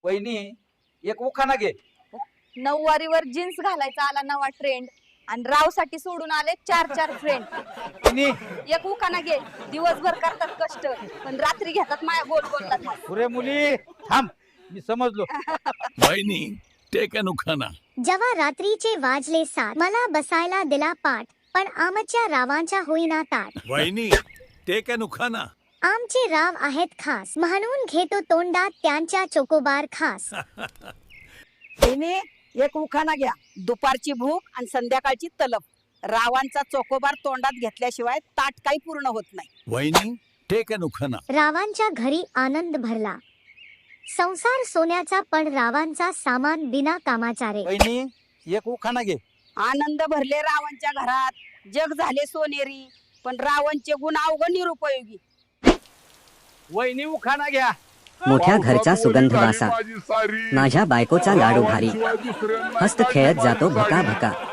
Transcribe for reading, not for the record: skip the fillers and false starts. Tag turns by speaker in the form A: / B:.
A: वहिनी एक उखाणा घे.
B: नऊवारीवर जीन्स घालायचा आला नवा ट्रेंड आणि रावसाठी सोडून आले 4 फ्रेंड.
A: वहिनी
B: एक उखाणा घे. दिवसभर करतात कष्ट पण रात्री घेतात माया गोल गोल.
A: पुरे मुली थांब, मी समजलो.
C: वहिनी टेक अन उखाणा.
D: जेव्हा रात्रीचे वाजले 7 मला बसायला दिला पाठ पण आमच्या रावांच्या होईना ताट.
C: वहिनी टेक अन उखाणा.
D: आमचे राव आहेत खास म्हणून घेतो तोंडात त्यांच्या चोकोबार खास.
E: तिने एक उखाणा घ्या. दुपारची भूक आणि संध्याकाळची तलप. रावांचा चोकोबार तोंडात घेतल्याशिवाय ताट काही पूर्ण होत नाही.
C: वहिनी टेक अन उखाणा.
D: रावांच्या घरी आनंद भरला संसार सोन्याचा पण रावांचा सामान बिना कामाचा रे.
A: वहिनी एक उखाणा घे.
E: आनंद भरले रावांच्या घरात जग झाले सोनेरी पण रावणचे गुण अवघड निरुपयोगी.
A: वहिनी उखाणा घ्या.
F: मोठ्या घरचा सुगंध वासा माझ्या बायकोचा लाडू भारी हस्त खेळत जातो भका भका